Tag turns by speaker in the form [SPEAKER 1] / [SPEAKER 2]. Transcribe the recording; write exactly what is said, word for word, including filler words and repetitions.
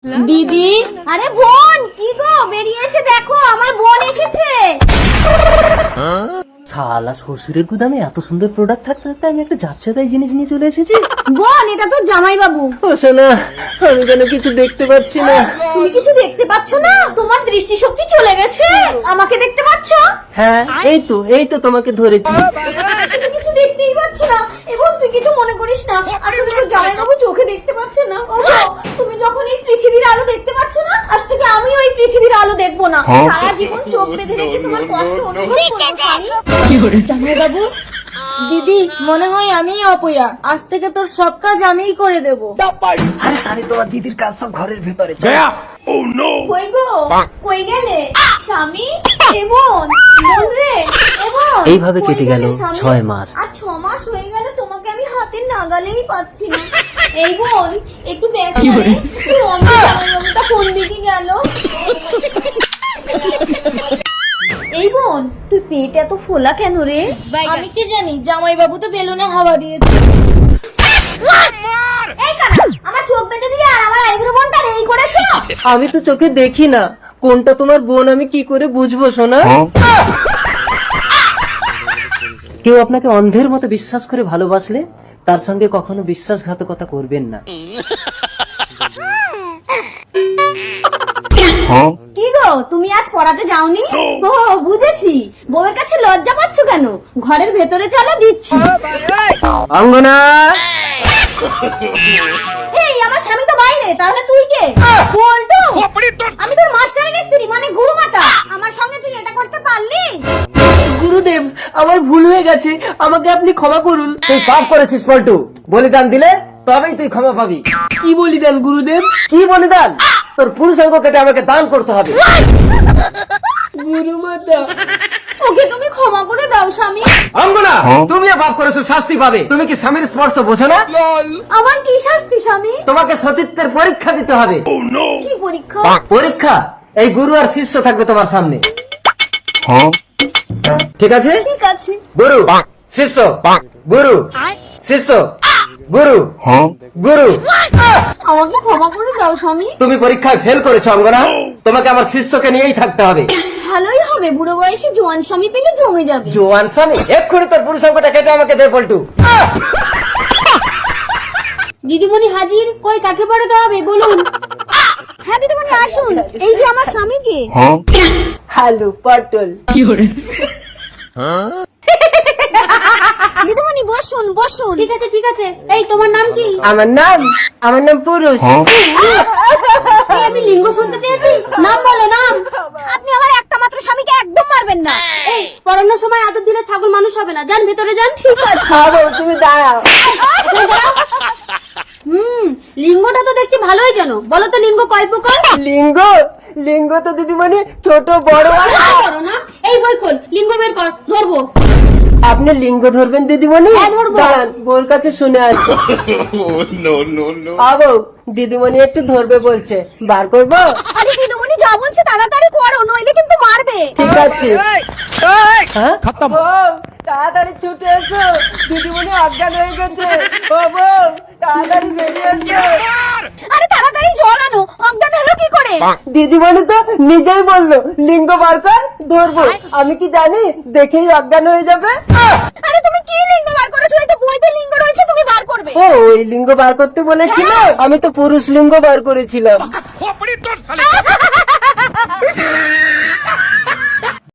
[SPEAKER 1] দিদি,
[SPEAKER 2] আরে বোন, কি গো, বেরিয়ে এসে দেখো আমার বোন এসেছে।
[SPEAKER 3] শালা শ্বশুরের গুদামে এত সুন্দর প্রোডাক্ট থাকতে থাকতে আমি একটা যাচ্ছে তাই জিনিস নিয়ে চলে এসেছি।
[SPEAKER 2] বোন, এটা তো জামাই বাবু।
[SPEAKER 3] ও সোনা, আমি যেন কিছু দেখতে পাচ্ছি না।
[SPEAKER 2] তুমি কিছু দেখতে পাচ্ছ না? তোমার দৃষ্টিশক্তি চলে গেছে। আমাকে দেখতে পাচ্ছ?
[SPEAKER 3] হ্যাঁ, এই তো এই তো তোমাকে ধরেছি।
[SPEAKER 2] তুমি কিছু দেখতেই পাচ্ছ না। এবং তুই কিছু মনে করিস না, আসলে তো জামাই বাবু চোখে দেখতে পাচ্ছে না। ও গো, তুমি যখন এই পৃথিবীর আলো দেখতে পাচ্ছ না, আজ থেকে আমি ওই পৃথিবীর আলো দেখবো না। সারা জীবন চোখ বেঁধে রেখে তোমার কষ্ট অনুভব করবো।
[SPEAKER 1] জামাই বাবু, দিদি মনে হয় আমিই অপয়া। আজ থেকে তোর সব কাজ আমিই করে দেব।
[SPEAKER 3] আরে সারি, তোমার দিদির কাজ সব ঘরের ভেতরে।
[SPEAKER 2] কই গো, কই গেলে স্বামী? এমন বোন রে, এমন
[SPEAKER 3] এইভাবে
[SPEAKER 2] কই
[SPEAKER 3] কেটে গেল
[SPEAKER 2] গেলে স্বামী?
[SPEAKER 3] ছয় মাস।
[SPEAKER 2] আর ছ মাস হয়ে গেল তোমাকে আমি হাতের নাগালেই পাচ্ছি না। এই বোন, একটু দেখ না রে, তুই অন্য জামাইবাবুটা কোন দিকে গেল? এই বোন, তুই পেট এত ফোলা কেন রে?
[SPEAKER 1] আমি কি জানি, জামাই বাবু তো বেলুনে হাওয়া দিয়েছে।
[SPEAKER 2] এই কানা, আমার চোখ বেঁধে দিয়ে আর আমার আইব্রো বোনটা এই করেছো?
[SPEAKER 3] আমি তো চোখে দেখি না, কোনটা তোমার বোন আমি কি করে বুঝবো সোনা? কেউ আপনাকে অন্ধের মতো বিশ্বাস করে ভালোবাসলে তার সঙ্গে কখনো বিশ্বাসঘাতকতা করবেন না।
[SPEAKER 2] কি গো, তুমি আজ পড়াতে যাওনি? ও বুঝেছি, বউয়ের কাছে লজ্জা পাচ্ছ কেন? ঘরের ভেতরে চলো, দিচ্ছি।
[SPEAKER 3] অঙ্গনা,
[SPEAKER 2] এই আমার স্বামী তো বাইরে, তাহলে তুই কে? বলতো আমি তোর মাস্টারের স্ত্রী, মানে গুরুমাতা। আমার সঙ্গে তুই এটা করতে পারলি?
[SPEAKER 3] গুরুদেব, আমার ভুল হয়ে গেছে, আমাকে আপনি ক্ষমা করুন। তুই পাপ করেছিস পল্টু, বলিদান দিলে তবেই তুই ক্ষমা পাবি। কি বলিদান গুরুদেব? কি বলিদান? তোর পুরুষাঙ্গ কেটে আমাকে দান করতে হবে। গুরুমাতা,
[SPEAKER 2] ওকে তুমি ক্ষমা করে দাও স্বামী।
[SPEAKER 3] অঙ্গনা, তুমিও পাপ করেছো, শাস্তি পাবে। তুমি কি স্বামীর স্পর্শ বোঝো না?
[SPEAKER 2] আমার কি শাস্তি স্বামী?
[SPEAKER 3] তোমাকে সতীত্বের পরীক্ষা দিতে হবে।
[SPEAKER 2] কি পরীক্ষা?
[SPEAKER 3] পরীক্ষা? এই গুরু আর শিষ্য থাকবে তোমার সামনে, ঠিক আছে?
[SPEAKER 2] ঠিক আছে।
[SPEAKER 3] গুরু শিষ্য, গুরু শিষ্য, গুরু গুরু।
[SPEAKER 2] আমাকে ক্ষমা করে দাও স্বামী।
[SPEAKER 3] তুমি পরীক্ষায় ফেল করেছো অঙ্গনা, তোমাকে আমার শিষ্যকে নিয়েই থাকতে হবে।
[SPEAKER 2] ভালোই হবে, বুড়ো বয়সে জোয়ান স্বামী পেলে জমে যাবে।
[SPEAKER 3] জোয়ান স্বামী? এক্ষুনি তোর পুরুষাঙ্গটা কেটে আমাকে দে পল্টু।
[SPEAKER 2] দিদিমণি হাজির, কই কাকে পড়াতে হবে বলুন? হ্যাঁ দিদিমণি আসুন, এই যে আমার স্বামীকে।
[SPEAKER 3] হ্যালো পটল।
[SPEAKER 2] দিদিমণি বসুন বসুন। ঠিক আছে ঠিক আছে। এই তোমার নাম কি?
[SPEAKER 3] আমার নাম, আমার নাম পুরুষ।
[SPEAKER 2] এই আমি লিঙ্গ শুনতে চেয়েছি, নাম বলো নাম। আপনি আমার একটা মাত্র স্বামীকে একদম মারবেন না। এই পড়ানোর সময় আদর দিলে ছাগল মানুষ হবে না, যান ভেতরে যান। ঠিক আছে।
[SPEAKER 3] খাবো, তুমি দাঁড়াও।
[SPEAKER 2] হুম, লিঙ্গটা তো দেখছি ভালোই জানো। বলো তো লিঙ্গ কয় প্রকার?
[SPEAKER 3] লিঙ্গ? লিঙ্গ তো দিদিমণি ছোট বড়।
[SPEAKER 2] করো না। এই বই খোল, লিঙ্গ বের কর, ধরবো।
[SPEAKER 3] আপনি লিঙ্গ ধরবেন দিদিমণি?
[SPEAKER 2] হ্যাঁ, ধরবো।
[SPEAKER 3] দাঁড়ান, বোর কাছে শুনে আসি। আবো, দিদিমণি একটু ধরবে বলছে, বার করবো?
[SPEAKER 2] আরে দিদিমণি যা বলছে তাড়াতাড়ি করো, নইলে কিন্তু মারবে।
[SPEAKER 3] ঠিক আছে। হ্যাঁ? বউ, তাড়াতাড়ি ছুটে এসো, দিদিমণি অজ্ঞান হয়ে গেছে। ও বউ, তাড়াতাড়ি বেরিয়ে এসো।
[SPEAKER 2] আরে তাড়াতাড়ি জল আনো, অজ্ঞান হলো কি করে?
[SPEAKER 3] দিদিমণি তো নিজেই বললো লিঙ্গ বার কর, ধরবো। আমি কি জানি দেখেই অজ্ঞান হয়ে যাবে?
[SPEAKER 2] আরে তুমি কি লিঙ্গ বার করেছো? এই তো বইতে লিঙ্গ রয়েছে, তুমি বার করবে।
[SPEAKER 3] ও, ওই লিঙ্গ বার করতে বলেছিল, আমি তো পুরুষ লিঙ্গ বার করেছিলাম।